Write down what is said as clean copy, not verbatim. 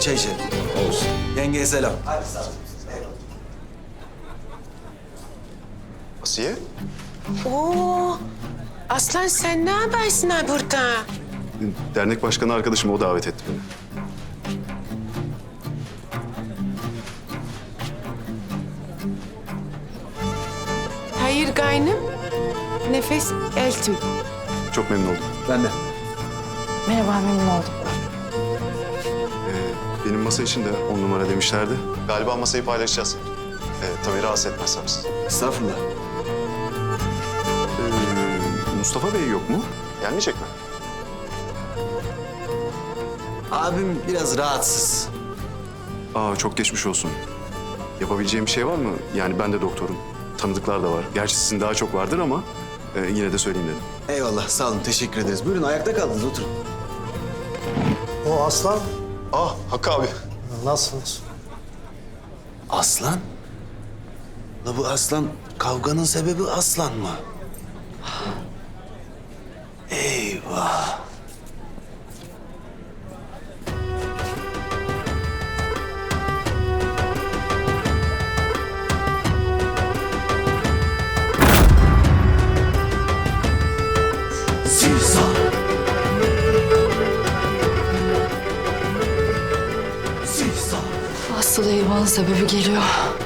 çay içelim. Olsun. Yengeye selam. Hadi sağ ol. Asiye? Oo, Aslan sen ne yaparsın ha burada? Dernek başkanı arkadaşım o davet etti beni. Hayır gaynım, nefes eltim. Çok memnun oldum. Ben de. Merhaba, memnun oldum. Benim masa için de 10 numara demişlerdi. Galiba masayı paylaşacağız. Tabii rahatsız etmezsem siz. Estağfurullah. Mustafa Bey yok mu? Gelmeyecek mi? Abim biraz rahatsız. Aa, çok geçmiş olsun. Yapabileceğim bir şey var mı? Yani ben de doktorum. Tanıdıklar da var. Gerçi sizin daha çok vardır ama yine de söyleyeyim dedim. Eyvallah sağ olun teşekkür ederiz. Buyurun ayakta kaldınız oturun. O Aslan, Ah, Hakkı abi. nasılsınız? Aslan? La bu aslan kavganın sebebi aslan mı? Eyvah. Sivsa. Asıl eyvanın sebebi geliyor.